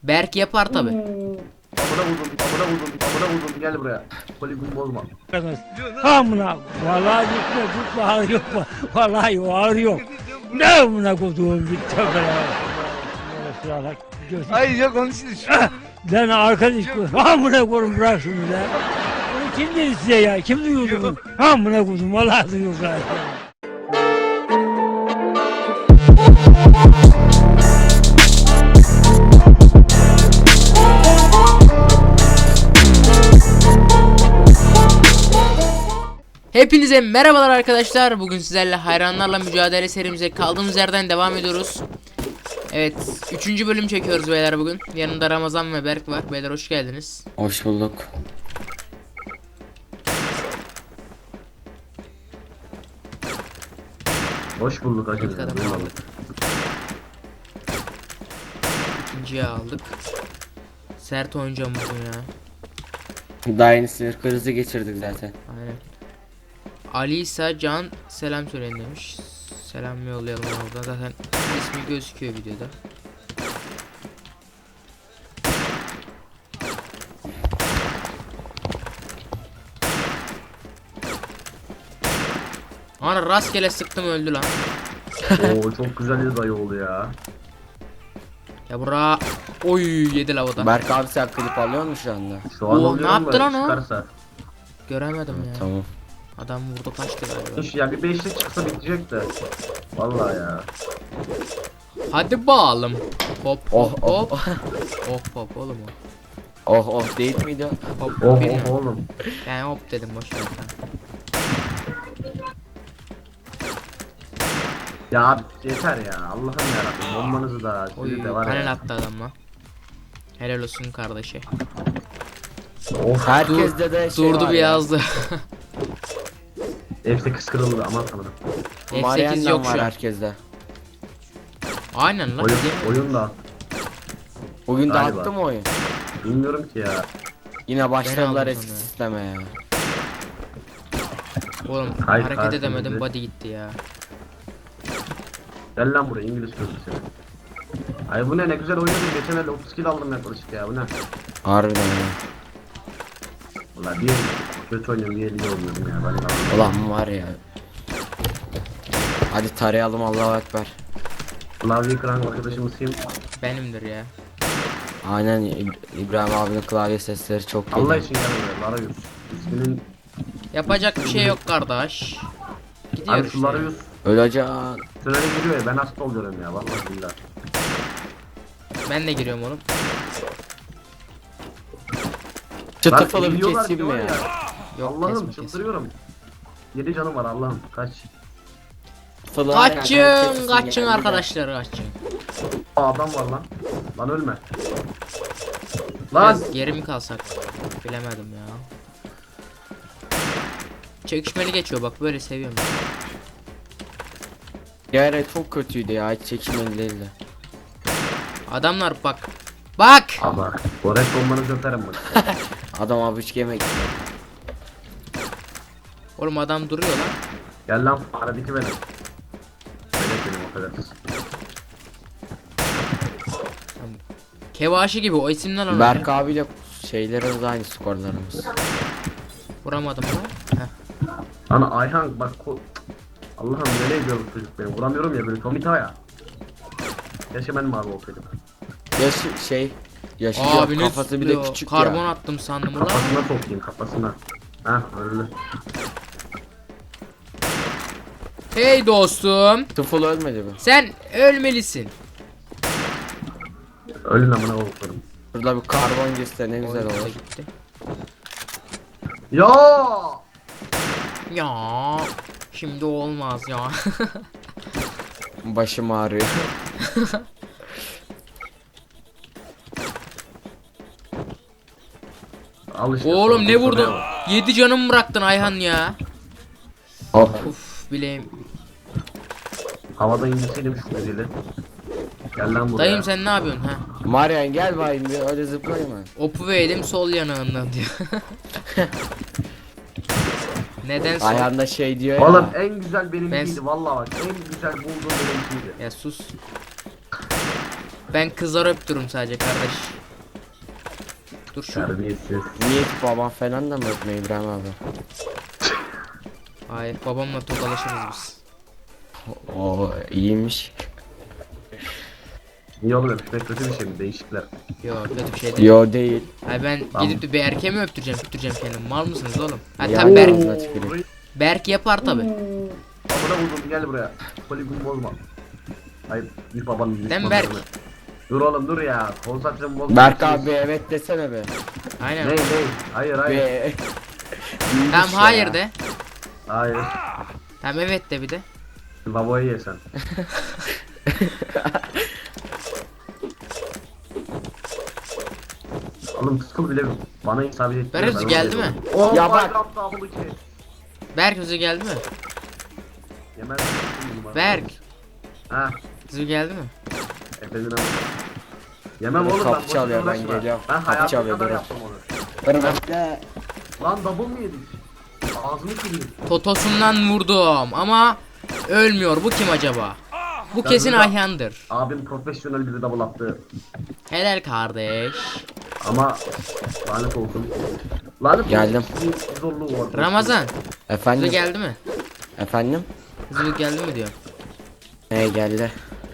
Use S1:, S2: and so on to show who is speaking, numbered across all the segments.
S1: Berk yapar tabi.
S2: Amına vurdum, gel buraya. Poligon bozma.
S3: Amına vallahi gitme ağır yok mu? Vallahi ağır yok. Ne amına koduğum bir tövbe.
S4: Hayır yok onun için
S3: Lan arkadaş amına koyun bırak şunu da. Bunu kim dedi size ya? Kim duyurdu bunu? Amına koydum vallahi duyurdu.
S1: Hepinize merhabalar arkadaşlar. Bugün sizlerle hayranlarla mücadele serimize kaldığımız yerden devam ediyoruz. Evet, 3. bölüm çekiyoruz beyler bugün. Yanımda Ramazan ve Berk var. Beyler hoş geldiniz.
S5: Hoş bulduk.
S2: Hoş bulduk
S1: İlk
S2: arkadaşlar.
S1: adamı aldık. İkinciyi aldık. Sert oynayacağım bugün ya.
S5: Daha yeni sinir krizi geçirdik zaten.
S1: Aynen. Ali ise Can selam söyleyin demiş. Selam yollayalım oradan. Zaten ismi gözüküyor videoda. Ana rastgele sıktım öldü lan.
S2: Oo çok güzel bir dayı oldu ya.
S1: Ya bura. Oy yedi lavada.
S5: Berk abi sen klip alıyor musun şu anda?
S2: Şu an
S1: Oo,
S2: oluyorum
S1: ne yaptı
S2: da
S1: lan o?
S2: çıkarsa.
S1: Göremedim ya.
S5: Tamam.
S1: Adam vurdu kaçtı galiba.
S2: Hiç ya bir beşlik çıksa bitecek de. Vallahi ya.
S1: Hadi bakalım. Hop
S5: Oh
S1: hop
S5: oh
S1: hop.
S5: oh.
S1: Hop hop oğlum o.
S5: Oh oh değil miydi?
S1: Hop
S2: Oh
S1: bilmiyorum.
S2: oh oğlum.
S1: Yani hop dedim boş ver sen.
S2: Ya abi yeter ya. Allah'ım yarabbim. Bombanızı da
S1: Oy
S2: sizi de var
S1: panel
S2: ya.
S1: attı adamla. Helal olsun kardeşi.
S2: Of.
S5: Herkeste de şey
S1: Durdu
S5: var
S1: bir
S5: ya.
S1: yazdı.
S2: F8 kırıldı aman tanrım.
S1: F8
S5: Marianne'den
S1: yok
S5: var
S1: şu an.
S5: herkeste.
S1: Aynen lan.
S2: Oyun,
S1: değil mi?
S2: oyun da.
S5: Bugün de
S2: Galiba.
S5: attı mı oyun?
S2: Bilmiyorum ki ya.
S5: Yine başladılar
S1: aldım
S5: eski
S1: sonra.
S5: sisteme ya.
S1: Oğlum
S2: Hayır,
S1: hareket
S2: hayır,
S1: edemedim
S2: hayır.
S1: body gitti ya.
S2: Gel lan buraya İngiliz köprüsü. Ay bu ne güzel oynadım. Geçen elde 30 kill aldım yaklaşık ya bu ne?
S5: Harbiden ya.
S2: Valla bir kötü oynuyorum bir elde oynuyorum ya. Ben de
S5: Ulan var ya. Hadi tarayalım Allahu Ekber.
S2: klavye kıran arkadaşımız kim?
S1: Benimdir ya.
S5: Aynen İbrahim abinin klavye sesleri çok iyi.
S2: Allah için gel buraya Larayus. İsminin
S1: Yapacak bir şey yok kardeş. Gidiyor
S2: abi
S1: işte.
S2: şu Larayus
S5: Öleceğim.
S2: sürene giriyor ya ben hasta oluyorum ya vallahi billahi.
S1: Ben de giriyorum oğlum.
S5: Çıtıfılı bir
S2: biliyorlar
S5: keseyim
S2: ki
S5: mi
S2: var
S5: ya?
S1: Yok
S2: Allah'ım
S1: kesme kesme.
S2: çıldırıyorum. 7 canım var Allah'ım kaç.
S5: Çıtıfılı
S1: Kaçın kaçın arkadaşlar kaçın.
S2: Aa, adam var lan. Lan ölme. Lan.
S1: Biraz geri mi kalsak? Bilemedim ya. Çekişmeli geçiyor bak böyle seviyorum.
S5: Yere çok kötüydü ya, hiç çekimeli değildi.
S1: Adamlar bak. Bak.
S2: Ama Boret bombanızı öperim bak.
S5: Adam abi üç yemek.
S1: Oğlum adam duruyor lan.
S2: Gel lan faredeki benim. Evet benim o kadar.
S1: Kevaşi gibi o isimden alıyor.
S5: Berk abiyle şeylerimiz aynı, skorlarımız.
S1: Vuramadım lan. Heh.
S2: Lan Ayhan bak Allah'ım nereye gidiyor bu çocuk beni vuramıyorum ya böyle Tomita ya. Keşke ben mavi olsaydım.
S5: Yaşı
S1: Abi
S5: yok,
S1: ne
S5: kafası bir de
S1: tutuyor?
S5: küçük
S1: Karbon
S5: ya.
S1: attım sandım ulan.
S2: Kafasına sokayım kafasına. Heh öldü.
S1: Hey dostum.
S5: Tıfıl ölmedi mi?
S1: Sen ölmelisin.
S2: Ölün amına koyayım.
S5: Burada bir karbon girse ne güzel
S1: Oyun da
S5: olur.
S1: gitti.
S2: Ya!
S1: Ya şimdi olmaz ya.
S5: Başım ağrıyor.
S2: Al işte.
S1: Oğlum
S2: sonra
S1: ne vurdun?
S2: soruyor.
S1: 7 canım bıraktın Ayhan ya.
S5: Oh.
S1: Uf bileğim.
S2: Havada indirseydim şu güzeli. Gel lan buraya.
S1: Dayım sen ne yapıyorsun ha?
S5: Marian gel bayım bir öyle zıplayayım ben.
S1: Opu verdim sol yanağından diyor. Neden sol?
S5: Ayağında şey diyor ya.
S2: Oğlum en güzel benimkiydi
S1: Ben-
S2: vallahi bak en güzel bulduğum benimkiydi.
S1: Ya sus. Ben kızları öptürüm sadece kardeş. Dur şu.
S2: Terbiyesiz.
S5: Niye baban falan da mı öpme İbrahim abi?
S1: Hayır, babamla tokalaşırız biz.
S5: Oo iyiymiş.
S2: Niye oğlum öpüşmek kötü bir şey mi? Değişikler.
S1: Yok, kötü bir şey değil.
S5: Yo değil.
S1: Hayır, ben
S2: Tamam.
S1: gidip de bir erkeğe mi öptüreceğim kendim? Mal mısınız oğlum? Ha
S5: Ya,
S1: tabi Berk,
S5: ağzına tüküreyim.
S1: Berk yapar tabi.
S2: Babana vurdum gel buraya. Poligon bozma. Hayır bir babanın
S1: Değil mi Berk?
S2: Dur oğlum dur ya. Konsantremi bozma.
S5: Berk abi evet desene be.
S1: Aynen.
S2: Ney? Hayır hayır.
S5: Be.
S1: Tamam
S5: İyiymiş
S1: hayır
S5: ya.
S1: de.
S2: Hayır.
S1: Tamam evet de bir de.
S2: Babayı ye sen. Oğlum sıkıl bile bana isabet etti.
S1: Berk hızı geldi mi?
S2: Oh
S5: Ya
S2: ya
S5: bak.
S2: bak.
S1: Berk hızı geldi mi?
S2: Yemez.
S1: Berk
S2: Ha.
S1: hızı geldi mi?
S2: Efendim ama. Yemem
S5: Kapı
S2: oğlum ben. boşuna
S5: çalıyor, ben
S2: uğraşma.
S5: geliyorum.
S2: Ben
S5: Kapı
S2: hayatım
S5: çalıyor,
S2: kadar
S5: durun.
S2: yaptım onu.
S5: Hırmakta.
S2: Lan double mı yedik? Ağzını kırayım.
S1: Totosundan vurdum ama ölmüyor. Bu kim acaba? Bu kesin
S2: burada-
S1: Ayhan'dır.
S2: Abim profesyonel bir double attı.
S1: Helal kardeş.
S2: Ama lanet olsun. Lanet
S5: Geldim.
S2: olsun. Bir zorluğu var.
S1: Ramazan hızı
S5: Efendim?
S1: geldi mi?
S5: Efendim?
S1: Hızı geldi mi diyor.
S5: Geldi.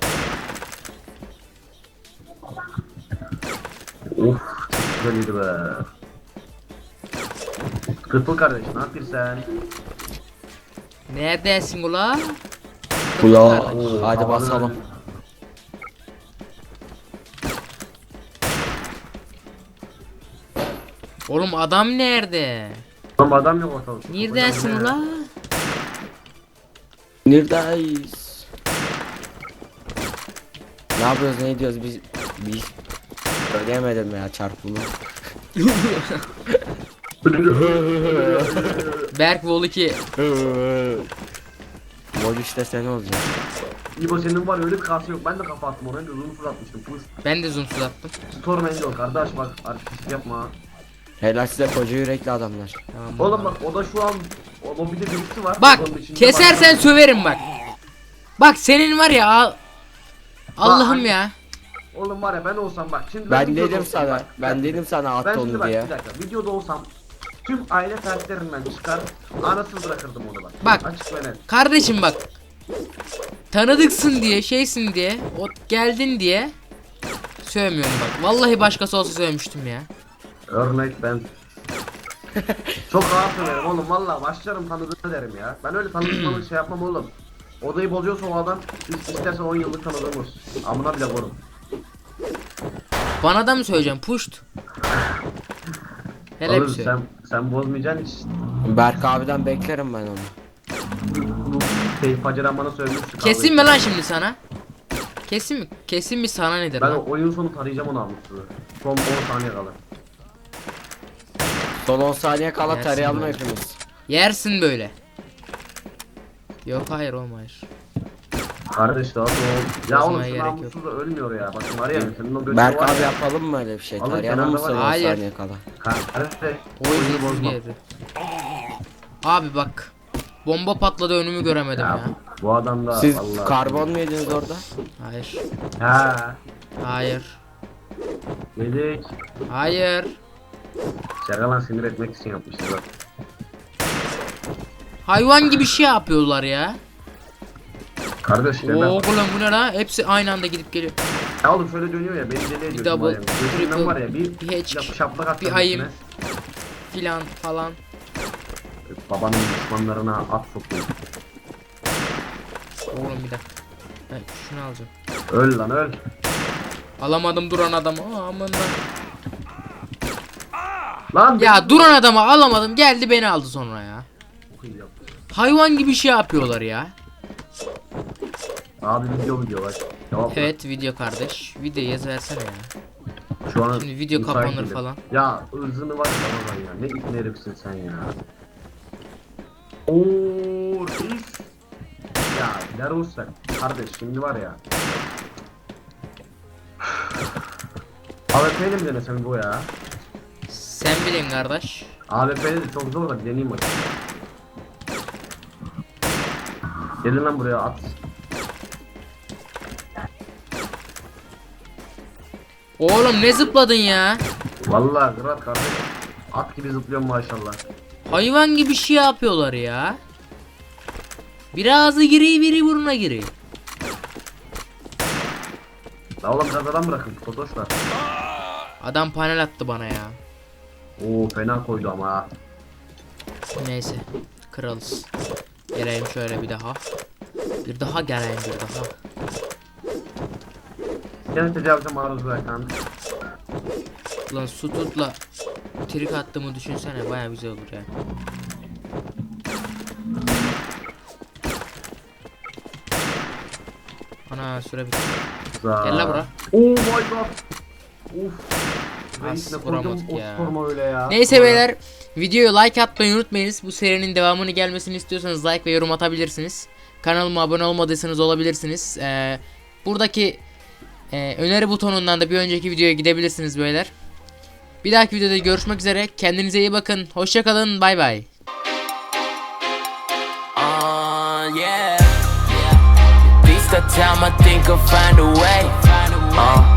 S2: Of çok güzeldi be. Kırpıl kardeş ne yapıyorsun sen?
S1: Neredesin ula?
S5: Kulağa.
S2: Oo,
S5: Hadi
S2: havalı.
S5: basalım.
S1: Oğlum adam nerede?
S2: Oğlum adam yok ortalıkta.
S1: Neredesin
S2: Hocam,
S1: ula?
S5: Neredeyiz? Ne yapıyoruz ne ediyoruz biz söyleyemedim ya çarpımı.
S1: Berk Vol 2.
S5: Vol işte sen olacak.
S2: İbo senin var öyle bir kası yok. Ben de kafa attım oraya. Uzun fır atmıştım. Fır.
S1: Ben de zoomsuz attım.
S2: Storm Angel kardeş bak. Artist yapma.
S5: Helal size koca yürekli adamlar.
S1: Tamam,
S2: Oğlum bak o da şu an o lobide birisi var.
S1: Bak
S2: Onun içinde
S1: kesersen
S2: bak-
S1: söverim bak. Bak senin var ya Allah'ım ya.
S2: Oğlum var ya ben olsam bak şimdi
S5: Ben
S2: videoda
S5: dedim
S2: olsam
S5: sana.
S2: bak,
S5: Ben dedim sana at
S2: Ben şimdi
S5: onu
S2: bak
S5: diye.
S2: bir dakika videoda olsam tüm aile fertlerinden çıkar anasını bırakırdım onu bak.
S1: Bak.
S2: Açık ve net.
S1: Kardeşim bak. Tanıdıksın diye şeysin diye o geldin diye sövmüyorum bak. Vallahi başkası olsa sövmüştüm ya.
S2: Örnek ben. Çok rahat söylerim oğlum valla başlarım tanıdığını derim ya. Ben öyle tanıdıklarını şey yapmam oğlum. Odayı bozuyorsa o adam istersen 10 yıllık tanıdığımız. Amına bile korum.
S1: Bana da mı söyleyeceğim? Puşt. Hele bir
S2: Oğlum
S1: şey.
S2: sen bozmayacaksın hiç.
S5: Berk abiden beklerim ben onu.
S2: Bu Faceren bana söylemişti.
S1: Kesin mi lan şimdi sana? Kesin mi? Kesin mi sana nedir
S2: Ben
S1: lan?
S2: o oyun sonu tarayacağım onu almıştı. Son 10 saniye kalır.
S5: Son 10 saniye kala
S1: Yersin
S5: tarayalım
S1: böyle.
S5: hepimiz.
S1: Yersin böyle. Yok hayır oğlum hayır.
S2: Kardeş daha o. Ya oğlum
S1: Bozmaya
S2: şu
S1: gerek yok.
S2: namussuz da ölmüyor ya. Bak var ya senin o götün
S5: Berk
S2: var
S5: abi
S2: ya.
S5: yapalım mı öyle bir şey?
S2: Alın
S5: Tarayalım mı
S2: kenarda
S5: son
S2: var.
S5: 10
S1: Hayır.
S5: saniye kala?
S2: Kardeş
S1: Oyunu
S2: bozma.
S1: geldi. Abi bak. Bomba patladı önümü göremedim ya.
S2: Ya bu adam da
S5: Siz
S2: vallahi.
S5: karbon mu yediniz orada?
S1: Hayır.
S2: Ha.
S1: Hayır.
S2: Yedik.
S1: Hayır.
S2: Şakalan sinir etmek için yapmışlar. bak.
S1: Hayvan gibi şey yapıyorlar ya.
S2: Kardeş
S1: Oo
S2: ben.
S1: oğlum bu ne la? Hepsi aynı anda gidip geliyor.
S2: Ya oğlum şöyle dönüyor ya beni deli ediyor.
S1: double,
S2: var ya. Gözümden
S1: triple,
S2: var ya
S1: bir hatch,
S2: şaplak attım.
S1: bir ayım.
S2: üstüne.
S1: Filan falan.
S2: Babanın düşmanlarına at sokuyor.
S1: Oğlum bir dakika. Ben şunu alacağım.
S2: Öl lan öl.
S1: Alamadım duran adamı. Aman lan.
S2: Lan
S1: Ya duran adamı alamadım. Geldi beni aldı sonra ya.
S2: beni-
S1: Hayvan gibi şey yapıyorlar ya.
S2: Abi video bak. Cevap ver.
S1: Evet video kardeş. Video yaz versene ya.
S2: Şu an
S1: Şimdi video
S2: müsait
S1: kapanır
S2: değilim.
S1: falan.
S2: Ya ırzını var ya Ramazan ya. Ne ipne herifsin sen ya. Ooo reis. Ya Larus sen. Kardeş şimdi var ya. AWP'yle mi denesem bu ya?
S1: Sen bilin kardeş.
S2: AWP'yle de çok zor da bir deneyeyim bakayım. Gelin lan buraya at.
S1: Oğlum ne zıpladın ya?
S2: Vallahi Kırat kardeş. At gibi zıplıyorum maşallah.
S1: Hayvan gibi şey yapıyorlar ya. Biri ağzı giriyor, biri burnuna giriyor.
S2: La oğlum biraz adam bırakın Totoşlar.
S1: Adam panel attı bana ya.
S2: Oo fena koydu ama ha.
S1: Neyse. Kralız. Geleyim şöyle bir daha. Bir daha geleyim bir daha.
S2: Seni tecavüze maruz bırakan.
S1: Lan su tutla. Trik attığımı düşünsene, baya güzel olur ya. Ana süre bitti. Gel la bura.
S2: Oh my god. Uf. Reis ne
S1: As
S2: koydum
S1: vuramadık
S2: o
S1: ya.
S2: sorma öyle ya.
S1: Neyse beyler, videoyu like atmayı unutmayınız. Bu serinin devamını gelmesini istiyorsanız like ve yorum atabilirsiniz. Kanalıma abone olmadıysanız olabilirsiniz. Buradaki öneri butonundan da bir önceki videoya gidebilirsiniz beyler. Bir dahaki videoda görüşmek üzere. Kendinize iyi bakın. Hoşça kalın. Bay bay.
S4: Yeah. This the time I think I'll find a way.